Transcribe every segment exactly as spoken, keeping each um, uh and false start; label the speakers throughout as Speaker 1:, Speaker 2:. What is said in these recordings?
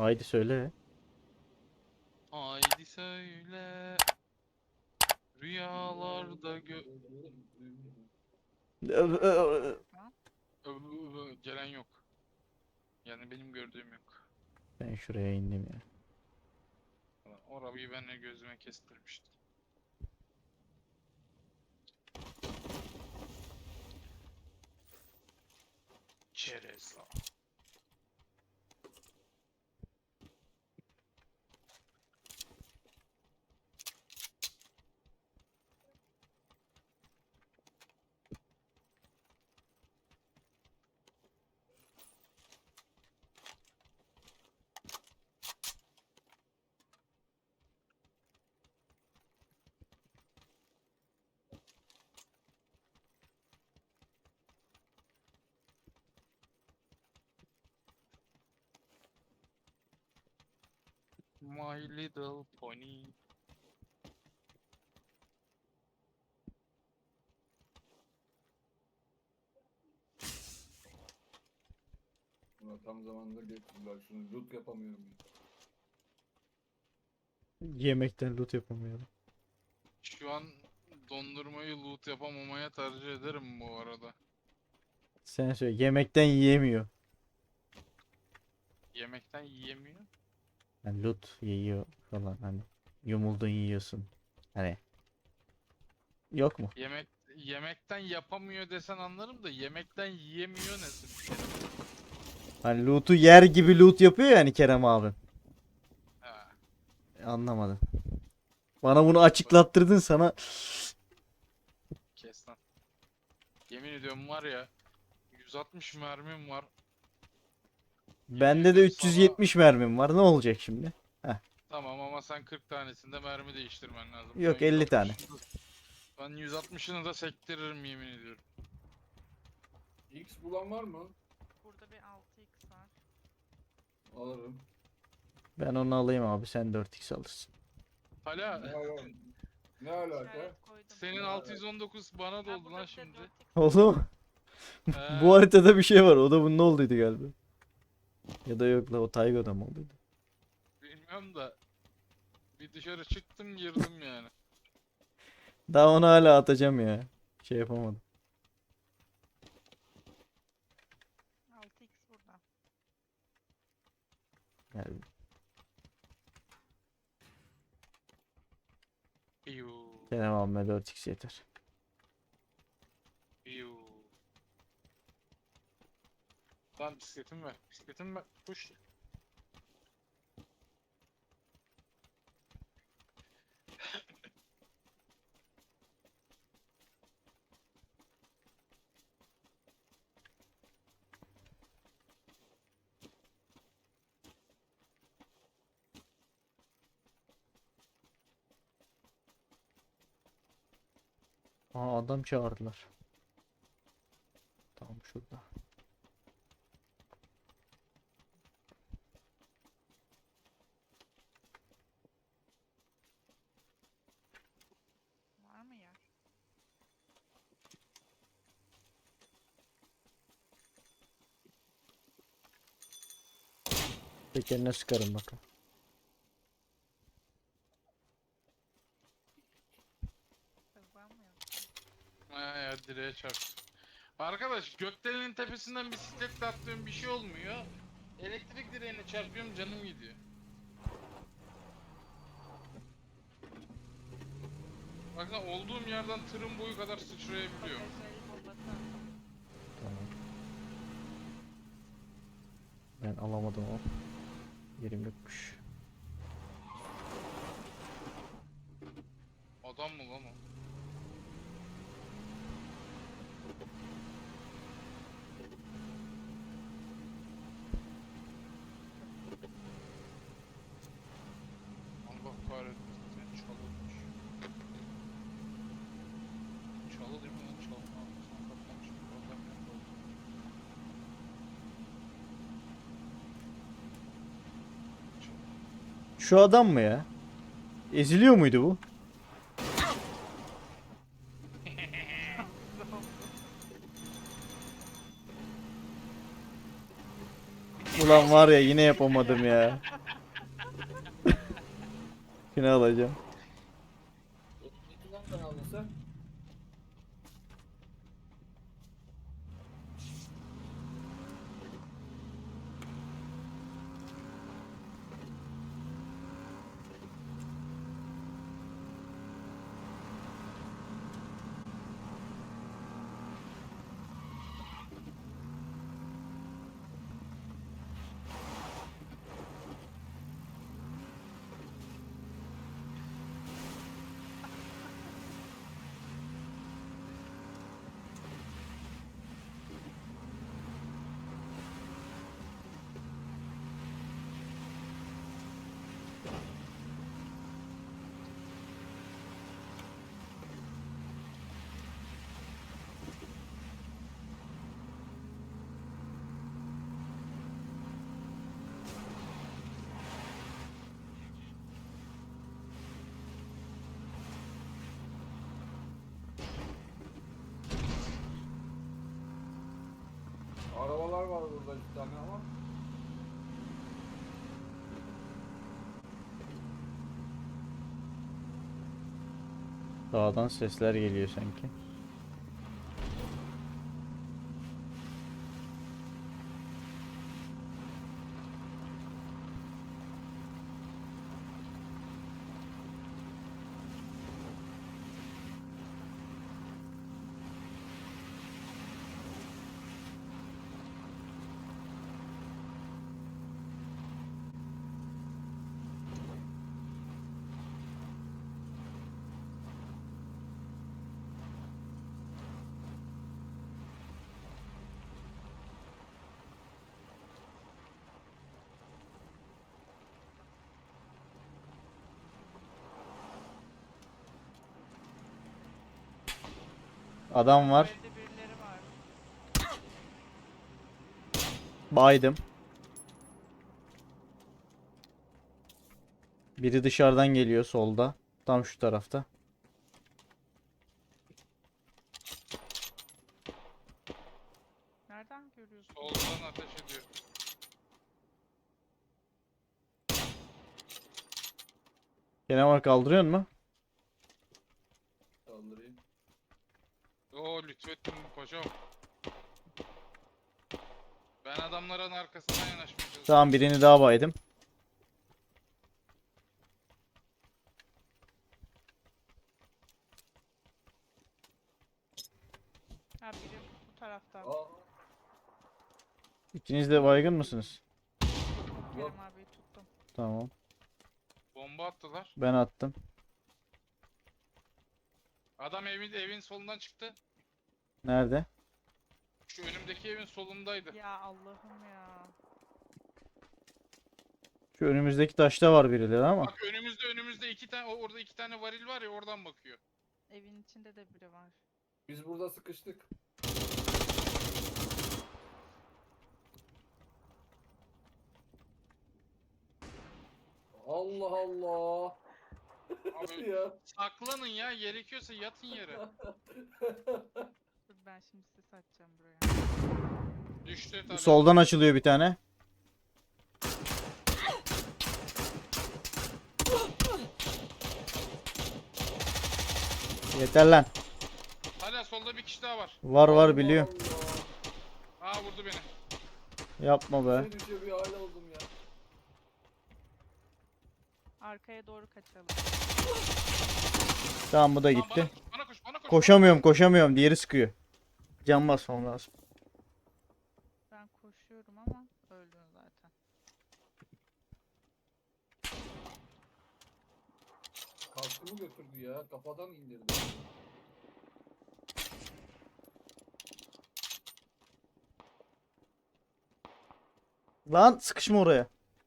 Speaker 1: Haydi söyle.
Speaker 2: Haydi söyle. Rüyalarda gö... Ö- ö- Gelen yok. Yani benim gördüğüm yok.
Speaker 1: Ben şuraya indim ya.
Speaker 2: Orayı ben de gözüme kestirmiştim. Çerez. My little pony.
Speaker 3: Buna tam zamanında getirdiler. Şunu loot yapamıyorum.
Speaker 1: Yemekten loot yapamıyorum.
Speaker 2: Şu an dondurmayı loot yapamamaya tercih ederim bu arada.
Speaker 1: Sen söyle. Yemekten yiyemiyor.
Speaker 2: Yemekten yiyemiyor.
Speaker 1: Yani loot yiyor falan hani. Yumuldun yiyorsun. Hani. Yok mu?
Speaker 2: Yemek yemekten yapamıyor desen anlarım da yemekten yiyemiyor nasıl bir şey?
Speaker 1: Hani loot'u yer gibi loot yapıyor yani Kerem abi.
Speaker 2: Ha,
Speaker 1: Anlamadım. Bana bunu açıklattırdın sana.
Speaker 2: kes lan. Yemin ediyorum var ya yüz altmış mermim var. Yemin
Speaker 1: Bende de
Speaker 2: ediyorum sana
Speaker 1: üç yüz yetmiş mermim var. Ne olacak şimdi?
Speaker 2: tamam ama sen kırk tanesinde mermi değiştirmen lazım. Ben
Speaker 1: Yok elli tane.
Speaker 2: yüz altmışını da, ben yüz altmışını da sektiririm yemin ediyorum.
Speaker 3: X bulan var mı?
Speaker 4: Burada bir altı x var.
Speaker 3: Alırım.
Speaker 1: Ben onu alayım abi. Sen dört x alırsın.
Speaker 2: Hala
Speaker 3: Ne, ala ne alaka?
Speaker 4: İşaret koydum.
Speaker 2: senin altı yüz on dokuz bana
Speaker 4: Ha,
Speaker 2: doldu
Speaker 4: burada
Speaker 2: lan
Speaker 4: bir de
Speaker 2: şimdi.
Speaker 4: dört x
Speaker 1: Oldu mu?
Speaker 2: Ee,
Speaker 1: Bu haritada bir şey var. O da bunun olduydu galiba. Ya da yok la o Taygo'da mı olduydu?
Speaker 2: bilmiyorum da bir dışarı çıktım girdim yani.
Speaker 1: Daha onu hala atacağım ya. Şey yapamadım.
Speaker 4: altı x burada.
Speaker 1: Yani
Speaker 2: Piyu,
Speaker 1: Kerem abime dört x yeter.
Speaker 2: piyu. Lan bisikletimi ver, bisikletimi ver. Koş.
Speaker 1: Aa adam çağırdılar. Tam şurada.
Speaker 4: Var mı yer?
Speaker 1: Tekerine sıkarım bakalım.
Speaker 4: Hızlanmıyor.
Speaker 2: Ha ya direğe çarptı. Arkadaş gökdelenin tepesinden bisikletle atlıyorum bir şey olmuyor. Elektrik direğine çarpıyorum canım gidiyor. Baksana olduğum yerden tırın boyu kadar sıçrayabiliyorum.
Speaker 4: Bagajları bombası attım.
Speaker 1: Tamam. Ben alamadım o. Yerim yokmuş.
Speaker 2: Adam mı lan o? Allah kahretsin seni çalınmış. Çalı değil mi lan çalma? Sokaktan çıkıp adam yok oldu.
Speaker 1: Şu adam mı ya? Eziliyor muydu bu? Ulan var ya yine yapamadım ya. Yine alacağım.
Speaker 3: İki lan ben aldın sen. Arabalar var burada bir tane ama.
Speaker 1: Dağdan sesler geliyor sanki. Adam
Speaker 4: Bu
Speaker 1: var.
Speaker 4: evde birileri var.
Speaker 1: Baydım. Biri dışarıdan geliyor solda. Tam şu tarafta.
Speaker 4: Nereden görüyorsun?
Speaker 2: Soldan ateş ediyor.
Speaker 1: Gene var, kaldırıyor mu?
Speaker 3: Kaldırayım.
Speaker 2: Oo lütfettim paşam. Ben adamların arkasından yanaşmaya çalışıyorum.
Speaker 1: Tamam, birini daha baydım.
Speaker 4: Ha biri bu tarafta.
Speaker 3: Aa,
Speaker 1: İkiniz de baygın mısınız?
Speaker 4: Kerem abiyi tuttum.
Speaker 1: Tamam.
Speaker 2: Bomba attılar.
Speaker 1: Ben attım.
Speaker 2: Adam evin evin solundan çıktı.
Speaker 1: Nerede?
Speaker 2: Şu önümdeki evin solundaydı.
Speaker 4: Ya Allah'ım ya.
Speaker 1: Şu önümüzdeki taşta var birileri ama.
Speaker 2: Bak önümüzde önümüzde iki tane orada iki tane varil var ya oradan bakıyor.
Speaker 4: Evin içinde de biri var.
Speaker 3: biz burada sıkıştık. Allah Allah.
Speaker 2: Abi
Speaker 3: Ya.
Speaker 2: saklanın ya gerekiyorsa yatın yere.
Speaker 4: Dur ben şimdi ses açacağım buraya.
Speaker 2: Düştü tabii.
Speaker 1: Soldan açılıyor bir tane. Yeter lan.
Speaker 2: Hala solda bir kişi daha var.
Speaker 1: Var var
Speaker 3: Allah
Speaker 1: biliyorum.
Speaker 3: Allah.
Speaker 2: Aa vurdu beni.
Speaker 1: Yapma be.
Speaker 3: Bir düşüyor bir hale oldum ya.
Speaker 4: Arkaya doğru kaçalım.
Speaker 1: Tamam, bu da
Speaker 2: Lan
Speaker 1: gitti.
Speaker 2: Bana, bana koş bana koş.
Speaker 1: Koşamıyorum koşamıyorum. Diğeri sıkıyor. Can basmam lazım.
Speaker 4: Ben koşuyorum ama öldün zaten.
Speaker 3: Kaskımı götürdü ya. Kafadan indirdi.
Speaker 1: Lan sıkışma oraya.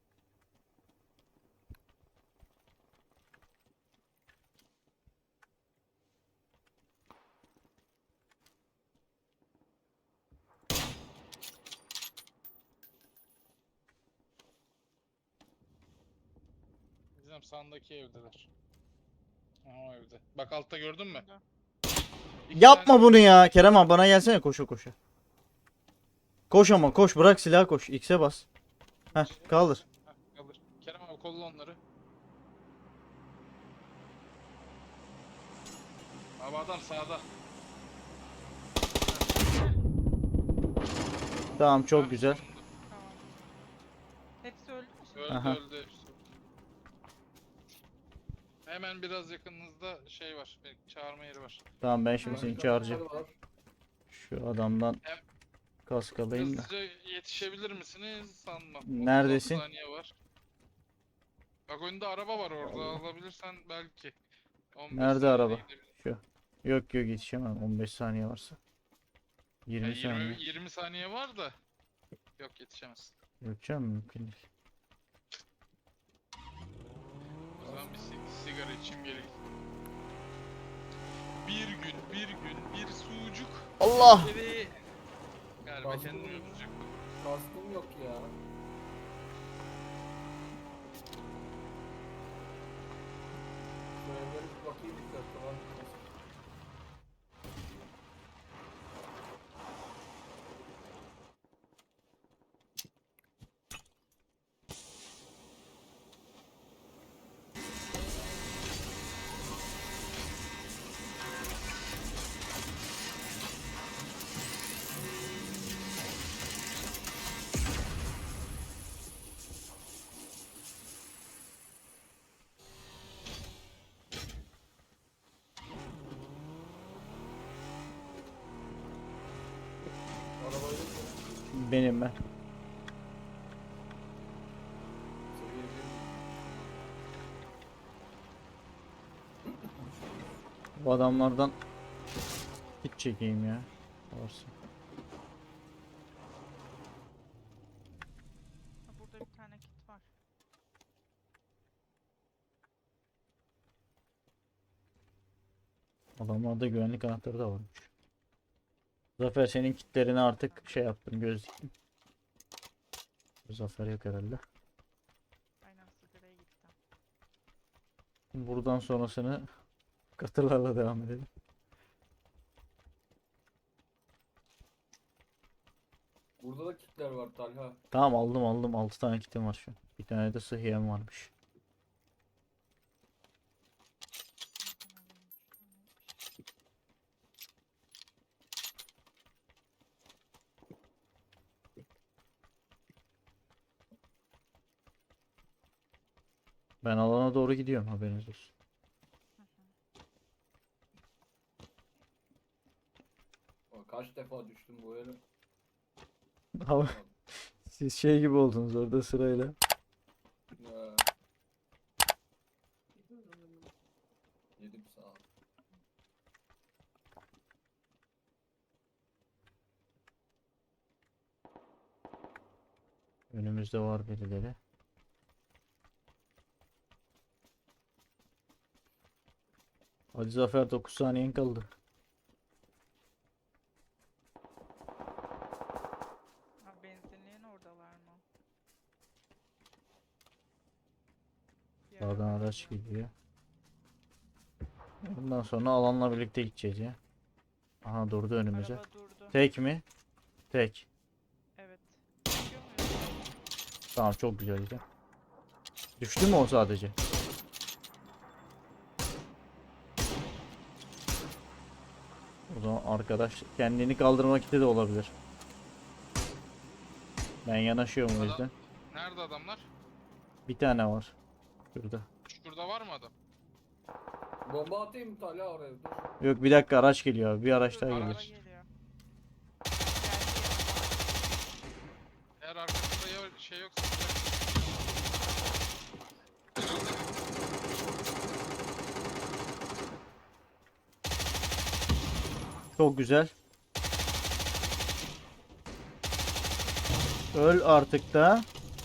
Speaker 2: Bizim sağındaki evdeler. Aha o evde. Bak altta gördün mü?
Speaker 4: Burada.
Speaker 2: İki
Speaker 1: Yapma
Speaker 2: tane-
Speaker 1: bunu ya. Kerem abi bana gelsene, koşa koşa. Koş ama koş, bırak silahı, koş. X'e bas. Heh, kaldır.
Speaker 2: Heh, kaldır. Kerem abi kolla onları. Abi adam sağda.
Speaker 1: Tamam, çok
Speaker 2: Heh,
Speaker 1: güzel.
Speaker 2: sonunda.
Speaker 4: Tamam. Hepsi öldü mü şimdi?
Speaker 2: Öldü
Speaker 1: Aha.
Speaker 2: öldü hepsi. Hemen biraz yakınınızda şey var. bir Çağırma yeri var.
Speaker 1: Tamam, ben şimdi
Speaker 4: Hangi
Speaker 1: seni
Speaker 3: Başka
Speaker 1: çağıracağım.
Speaker 3: var.
Speaker 1: Şu adamdan
Speaker 2: Hem-
Speaker 1: kask alayım da.
Speaker 2: Hızlıca yetişebilir misiniz? Sanmam.
Speaker 1: Neredesin?
Speaker 2: otuz altı saniye var. Bak önünde araba var orada. Alabilirsen belki. on beş
Speaker 1: Nerede
Speaker 2: saniyede
Speaker 1: araba?
Speaker 2: gidebilir.
Speaker 1: Şu. Yok yok, yetişemem. on beş saniye varsa.
Speaker 2: Yani
Speaker 1: yirmi saniye.
Speaker 2: yirmi, yirmi saniye var da. Yok yetişemez.
Speaker 1: Yetişemem, mümkün değil.
Speaker 2: O zaman bir si- sigara içeyim geleyim. Bir gün, bir gün, bir sucuk.
Speaker 1: Allah!
Speaker 2: Geri... Galiba
Speaker 3: Fazla
Speaker 2: kendimi
Speaker 3: mı?
Speaker 2: öldürecek.
Speaker 3: Kaskım yok ya. Şöyle bir bakayım bir dakika var. mı? Arabayı
Speaker 1: Benim ben.
Speaker 3: seviye bir.
Speaker 1: Bu adamlardan hiç çekeyim ya. Varsa.
Speaker 4: Ha, burada bir tane kit var.
Speaker 1: Adamlarda güvenlik anahtarı da varmış. Zafer, senin kitlerini artık şey yaptım, göz diktim. Zafer yok herhalde.
Speaker 4: Aynen sigaraya gittim.
Speaker 1: Buradan sonrasını katırlarla devam edelim.
Speaker 3: Burada da kitler var Talha.
Speaker 1: Tamam, aldım aldım. altı tane kitim var şu an. Bir tane de sıhhiyem varmış. Ben alana doğru gidiyorum, haberiniz olsun.
Speaker 3: Aa, Kaç defa düştüm bu yere.
Speaker 1: Ama siz şey gibi oldunuz orada sırayla.
Speaker 3: Ya. Yedim sağ ol.
Speaker 1: Önümüzde var birileri. Hadi Zafer, dokuz saniyen kaldı.
Speaker 4: Ha, benzinliğin oradalar mı? Bir
Speaker 1: Sağdan
Speaker 4: araba
Speaker 1: araç
Speaker 4: geliyor.
Speaker 1: geliyor. Bundan sonra alanla birlikte gideceğiz ya. Aha, durdu önümüze.
Speaker 4: Araba durdu.
Speaker 1: Tek mi? Tek.
Speaker 4: Evet. Çıkıyor muyuz?
Speaker 1: Tamam, çok güzel güzel. Düştü mü o sadece? O zaman arkadaş kendini kaldırmak için de olabilir. Ben yanaşıyorum o
Speaker 2: Adam-
Speaker 1: yüzden.
Speaker 2: Nerede adamlar?
Speaker 1: Bir tane var. Şurada.
Speaker 2: Şurada var mı adam?
Speaker 3: Bomba atayım mı Talha oraya? Dur.
Speaker 1: Yok, bir dakika, araç geliyor abi. Bir araç daha
Speaker 4: Araba
Speaker 1: geliyor.
Speaker 4: geliyor. Geldi
Speaker 2: Eğer arkasında ya şey yoksa...
Speaker 1: Çok güzel. Öl artık da.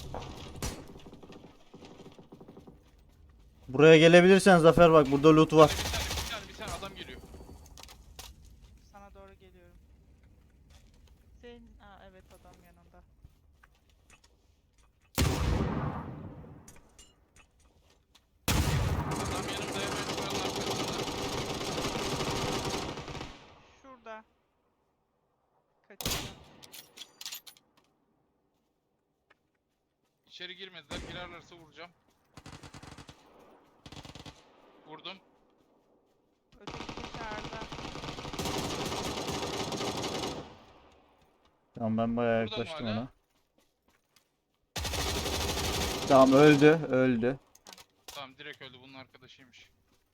Speaker 1: Buraya gelebilirsen Zafer, bak burada loot var.
Speaker 2: Bir tane, bir tane, bir tane adam geliyor.
Speaker 4: Sana doğru geliyorum. Senin... Aa, evet adam yanında.
Speaker 2: Adam yanımda hemen şuranın arkasında.
Speaker 4: Şurada. Kaçıyor.
Speaker 2: İçeri girmediler. Girerlerse vuracağım. Vurdum.
Speaker 4: Öteki dışarıda.
Speaker 1: Tamam ben bayağı
Speaker 2: Burada mı
Speaker 1: yaklaştım
Speaker 2: hala?
Speaker 1: ona. Tamam öldü öldü.
Speaker 2: Tamam direkt öldü. Bunun arkadaşıymış.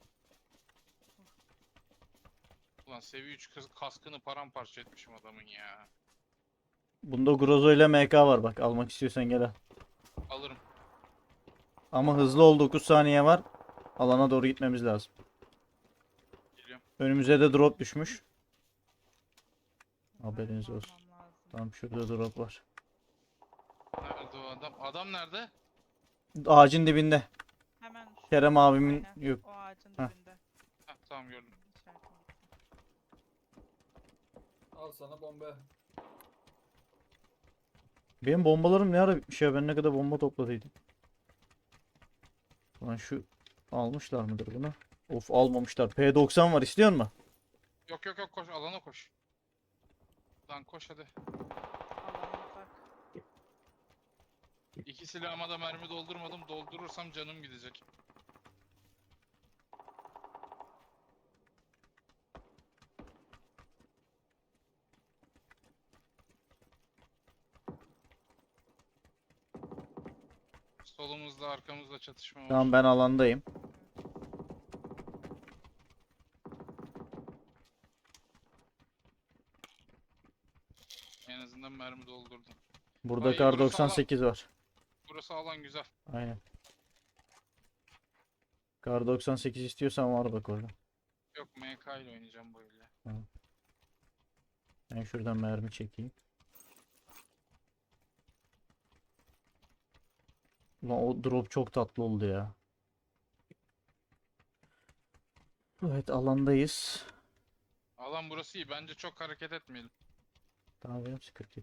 Speaker 2: Ulan seviye üç kız kaskını paramparça etmişim adamın ya.
Speaker 1: Bunda Grozo ile M K var bak, almak istiyorsan gel al.
Speaker 2: Alırım.
Speaker 1: Ama hızlı ol, dokuz saniye var. Alana doğru gitmemiz lazım.
Speaker 2: Geliyorum.
Speaker 1: Önümüze de drop düşmüş. Haberiniz
Speaker 4: Mermi
Speaker 1: olsun.
Speaker 4: almam lazım.
Speaker 1: Tam şurada drop var.
Speaker 2: Nerede o adam? Adam nerede?
Speaker 1: Ağacın dibinde.
Speaker 4: Hemen şu.
Speaker 1: Kerem abimin
Speaker 4: Aynen,
Speaker 1: yok.
Speaker 4: o ağacın
Speaker 1: Heh.
Speaker 4: dibinde.
Speaker 2: Heh, tamam gördüm.
Speaker 4: İçeride gitti.
Speaker 3: Al sana bomba.
Speaker 1: Benim bombalarım ne ara bitmiş ya, ben ne kadar bomba topladıydım. Lan şu almışlar mıdır bunu? Of almamışlar. P doksan var, istiyor musun?
Speaker 2: Yok yok yok koş alana koş. Lan koş hadi.
Speaker 4: Alan uzak.
Speaker 2: İki silahıma da mermi doldurmadım. Doldurursam canım gidecek. Solumuzda arkamızda çatışma var.
Speaker 1: Tamam ben alandayım.
Speaker 2: En azından mermi doldurdum.
Speaker 1: Burada
Speaker 2: Ay,
Speaker 1: kar
Speaker 2: burası
Speaker 1: doksan sekiz var.
Speaker 2: Burası alan güzel.
Speaker 1: Aynen. Kar doksan sekiz istiyorsan var bak orada.
Speaker 2: Yok M K ile oynayacağım bu ile.
Speaker 1: Ben şuradan mermi çekeyim. Ulan o drop çok tatlı oldu ya. Evet alandayız.
Speaker 2: Alan burası iyi. Bence çok hareket etmeyelim.
Speaker 1: Tamam benim sıkıntı yok.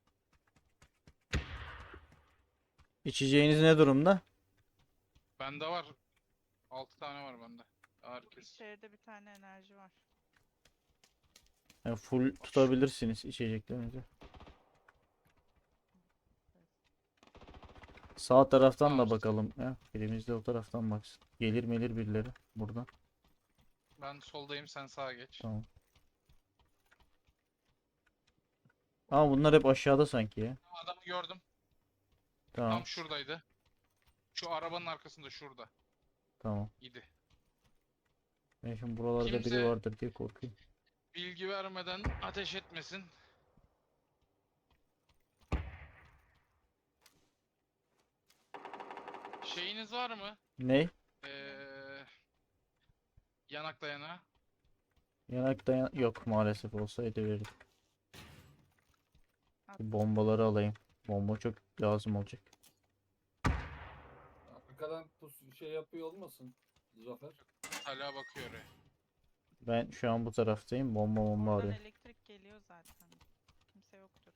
Speaker 1: İçeceğiniz ne durumda?
Speaker 2: Bende var. altı tane var bende. Herkes.
Speaker 4: İçeride bir tane enerji var.
Speaker 1: Yani full tutabilirsiniz içeceklerinizi. Sağ taraftan
Speaker 2: Tamam.
Speaker 1: da bakalım ya. Birimiz de o taraftan baksın. Gelir melir birileri buradan.
Speaker 2: Ben soldayım sen sağa geç.
Speaker 1: Tamam. Ama bunlar hep aşağıda sanki ya.
Speaker 2: Adamı gördüm.
Speaker 1: Tamam.
Speaker 2: Tam şuradaydı. Şu arabanın arkasında şurada.
Speaker 1: Tamam.
Speaker 2: İdi.
Speaker 1: Ben şimdi buralarda biri
Speaker 2: Kimse-
Speaker 1: vardır diye korkuyorum.
Speaker 2: Bilgi vermeden ateş etmesin. Şeyiniz var mı?
Speaker 1: Ne?
Speaker 2: Ee, yanak dayanağı.
Speaker 1: Yanak dayan yok maalesef, olsaydı verirdim.
Speaker 4: At.
Speaker 1: Bu bombaları alayım. Bomba çok lazım olacak.
Speaker 3: Arkadan pus şey yapıyor olmasın Zafer?
Speaker 2: Hala bakıyor oraya.
Speaker 1: Ben şu an bu taraftayım. Bomba bomba
Speaker 4: Oradan
Speaker 1: arıyorum.
Speaker 4: elektrik geliyor zaten. Kimse yoktur.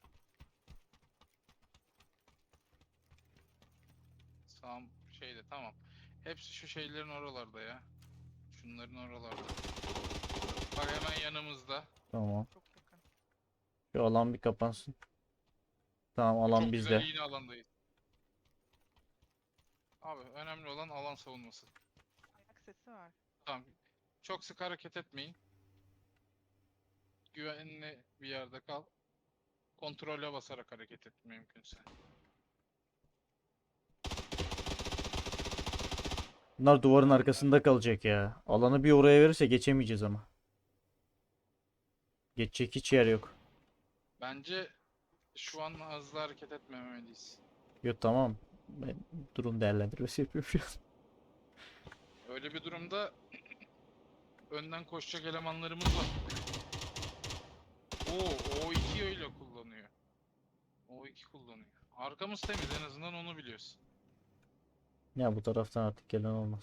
Speaker 2: Sağım şeyde tamam. Hepsi şu şeylerin oralarda ya. Şunların oralarda. Bak hemen yanımızda.
Speaker 1: Tamam.
Speaker 4: Çok yakın.
Speaker 1: Şu alan bir kapansın. Tamam alan
Speaker 2: Çok
Speaker 1: bizde.
Speaker 2: güzel yine alandayız. Abi önemli olan alan savunması.
Speaker 4: Ayak sesi var.
Speaker 2: Tamam. Çok sık hareket etmeyin. Güvenli bir yerde kal. Kontrole basarak hareket et mümkünse.
Speaker 1: Bunlar duvarın arkasında kalacak ya. Alanı bir oraya verirse geçemeyeceğiz ama. Geçecek hiç yer yok.
Speaker 2: Bence şu an hızlı hareket etmemeliyiz.
Speaker 1: Yok tamam. Ben durum değerlendirmesi yapıyorum şu an.
Speaker 2: Öyle bir durumda önden koşacak elemanlarımız var. Oo, O iki öyle kullanıyor. O iki kullanıyor. Arkamız temiz en azından onu biliyoruz.
Speaker 1: Ya bu taraftan artık gelen olmaz.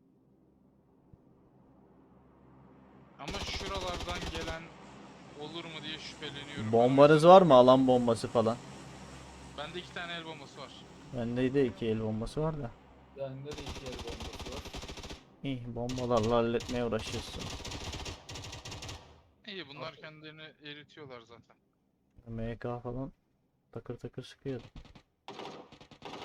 Speaker 2: Ama şuralardan gelen olur mu diye şüpheleniyorum. Ben o
Speaker 1: Bombanız
Speaker 2: yüzden-
Speaker 1: var mı? Alan bombası falan.
Speaker 2: Bende iki tane el bombası var.
Speaker 1: Bende de iki el bombası var da.
Speaker 3: Bende de iki yer bombası var.
Speaker 1: İyi bombalarla halletmeye uğraşıyorsun.
Speaker 2: İyi bunlar
Speaker 3: Abi.
Speaker 2: kendilerini eritiyorlar zaten.
Speaker 1: M K falan takır takır sıkıyordu.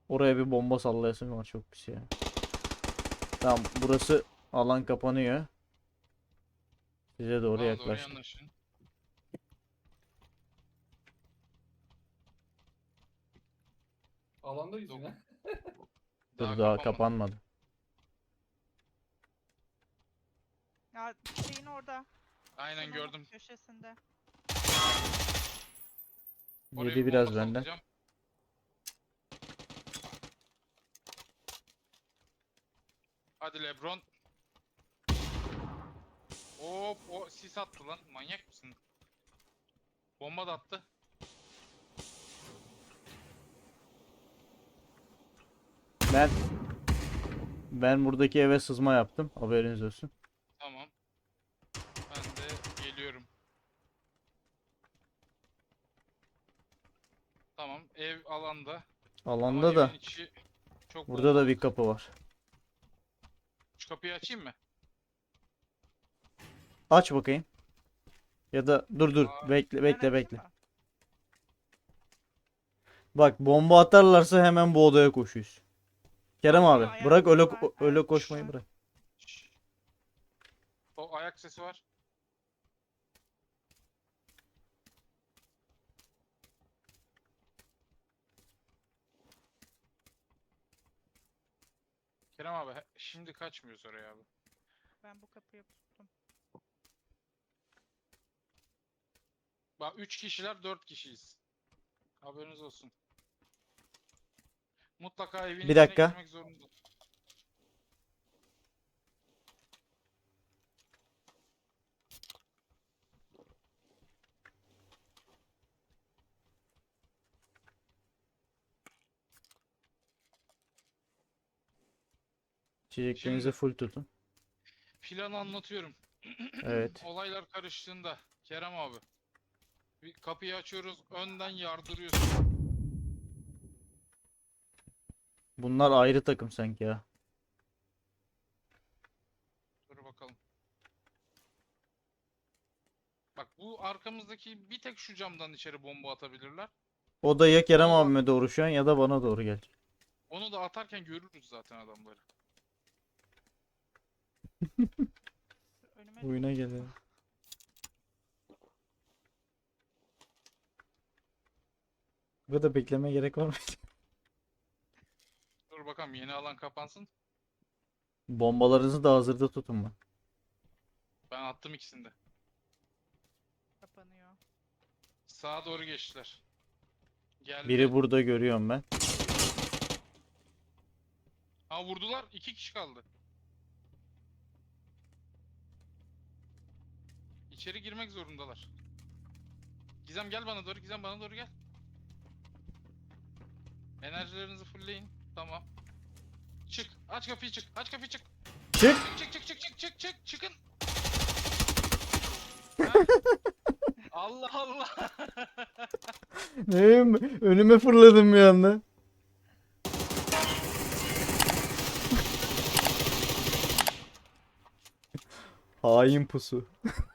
Speaker 1: Oraya bir bomba sallayasım var, çok pis ya. Tamam, burası alan kapanıyor. Size doğru
Speaker 2: Bana doğru
Speaker 1: yaklaştık.
Speaker 2: yanaşın.
Speaker 3: Alandayız yine.
Speaker 1: Dur, daha
Speaker 2: kapanmadı.
Speaker 1: kapanmadı.
Speaker 4: Ya şeyin orada.
Speaker 2: Aynen
Speaker 4: Şunun
Speaker 2: gördüm.
Speaker 4: Köşesinde.
Speaker 2: Oraya
Speaker 1: Yedi
Speaker 2: bir
Speaker 1: biraz
Speaker 2: bomba
Speaker 1: benden.
Speaker 2: sallayacağım. Hadi Lebron. Hop, o sis attı lan. Manyak mısın? Bomba da attı.
Speaker 1: Ben ben buradaki eve sızma yaptım. Haberiniz olsun.
Speaker 2: Tamam. Ben de geliyorum. Tamam, ev alanda.
Speaker 1: Alanda
Speaker 2: Ama
Speaker 1: da
Speaker 2: evin içi çok
Speaker 1: burada da
Speaker 2: bombalı.
Speaker 1: bir kapı var.
Speaker 2: Şu kapıyı açayım mı?
Speaker 1: Aç bakayım. Ya da dur dur,
Speaker 2: Aa,
Speaker 1: bekle
Speaker 4: Ben
Speaker 1: bekle
Speaker 4: açayım
Speaker 1: bekle.
Speaker 4: mı?
Speaker 1: Bak, bomba atarlarsa hemen bu odaya koşuyoruz. Kerem
Speaker 4: Yok,
Speaker 1: abi,
Speaker 4: ayak
Speaker 1: bırak öyle
Speaker 4: sesi var,
Speaker 1: öyle
Speaker 4: ayak
Speaker 1: koşmayı
Speaker 4: sesi var.
Speaker 1: bırak.
Speaker 2: Şşş. O ayak sesi var. Kerem abi, he- şimdi kaçmıyoruz oraya abi.
Speaker 4: Ben bu kapıyı tuttum.
Speaker 2: Bak, üç kişiler, dört kişiyiz. Haberiniz olsun. Mutlaka evin
Speaker 1: Bir
Speaker 2: içine
Speaker 1: dakika.
Speaker 2: girmek zorunda.
Speaker 1: İçeceklerinizi
Speaker 2: Şimdi-
Speaker 1: full tutun.
Speaker 2: Planı anlatıyorum.
Speaker 1: Evet.
Speaker 2: Olaylar karıştığında Kerem abi, bir kapıyı açıyoruz, önden yardırıyorsun.
Speaker 1: Bunlar ayrı takım sanki ya.
Speaker 2: Dur bakalım. Bak, bu arkamızdaki bir tek şu camdan içeri bomba atabilirler.
Speaker 1: O da ya Kerem
Speaker 2: Onu da-
Speaker 1: abime doğru şu an ya da bana doğru gelecek.
Speaker 2: Onu da atarken görürüz zaten adamları.
Speaker 4: Önüme
Speaker 1: Oyuna gelelim. Bu kadar beklemeye gerek var mı?
Speaker 2: Dur bakalım, yeni alan kapansın.
Speaker 1: Bombalarınızı da hazırda tutun bak.
Speaker 2: Ben attım ikisini de.
Speaker 4: kapanıyor.
Speaker 2: Sağa doğru geçtiler. Geldi.
Speaker 1: Biri burada görüyorum ben.
Speaker 2: Ha, vurdular. İki kişi kaldı. İçeri girmek zorundalar. Gizem gel bana doğru. Gizem bana doğru gel. Enerjilerinizi fullleyin. Tamam. Çık. Aç kapıyı, çık. Aç kapıyı, çık.
Speaker 1: Çık.
Speaker 2: Çık çık çık çık çık çık. Çıkın. Ha? Allah Allah.
Speaker 1: Neyim? Önüme fırladım bir anda. Hain pusu.